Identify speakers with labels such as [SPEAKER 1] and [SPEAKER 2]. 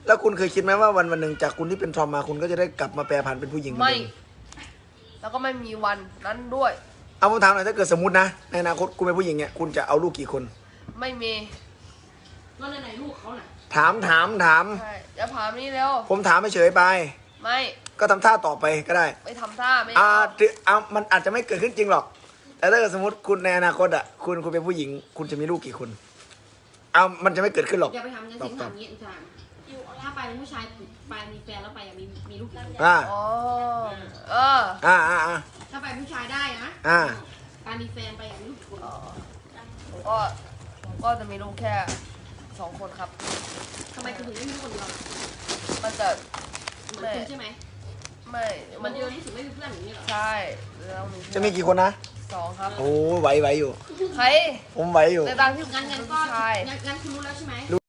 [SPEAKER 1] แล้วคุณเคยคิดไหมว่าวันหนึ่งจากคุณที่เป็นทอมมาคุณก็จะได้กลับมาแปรผันเป็นผู้หญิงเหมือน
[SPEAKER 2] ไม่
[SPEAKER 1] เดิม
[SPEAKER 2] แล้วก็ไม่มีวันนั้นด้วย
[SPEAKER 1] เอาผมถามหน่อยถ้าเกิดสมมตินะในอนาคตคุณเป็นผู้หญิงเนี่ยคุณจะเอาลูกกี่คน
[SPEAKER 2] ไม่มี
[SPEAKER 3] แล้วไหนลูกเขาน่ะ
[SPEAKER 1] ถาม
[SPEAKER 2] ใช่อย่าถามนี่เร็ว
[SPEAKER 1] ผมถามเฉยๆไป
[SPEAKER 2] ไม่
[SPEAKER 1] ก็ทำท่าต่อไปก็ได้
[SPEAKER 2] ไม่ทำท่าไม่
[SPEAKER 1] มันอาจจะไม่เกิดขึ้นจริงหรอก แต่ถ้าเกิดสมมติคุณในอนาคตอ่ะคุณเป็นผู้หญิง คุณจะมีลูกกี่คนมันจะไม่เกิดขึ้นหรอก
[SPEAKER 3] อย่าไปทำกันสิถามอย่างนี้ถามถ้าไปเป็นผู้ชายไปมีแฟนแล้วไปมีลูกกี่คน
[SPEAKER 1] อ่า
[SPEAKER 2] อ๋อเออ
[SPEAKER 3] ถ้าไปผู้ชายได้นะ การมีแฟนไปมีลูกกี่คน
[SPEAKER 2] ก็จะมีลูกแค่2 คนครับ
[SPEAKER 3] ทำไมคุณถึงไม่มีลูกคนเดียว
[SPEAKER 2] มันจะ
[SPEAKER 3] เหมือนคุณใช่ไหม
[SPEAKER 2] ไม่
[SPEAKER 3] มันเดียวรู้สึกไม่มีเพื่อนอย่างนี้เหรอ
[SPEAKER 2] ใช่แล้วมี
[SPEAKER 1] จะมีกี่คนนะ
[SPEAKER 2] 2 ครับ
[SPEAKER 1] โอ้ไหวอยู่
[SPEAKER 2] ใคร
[SPEAKER 1] ผมไหวอยู่
[SPEAKER 2] ในบางที่
[SPEAKER 3] งั้นก็
[SPEAKER 2] ผู้ชาย
[SPEAKER 3] งั้นคุณรู้แล้วใช่ไหม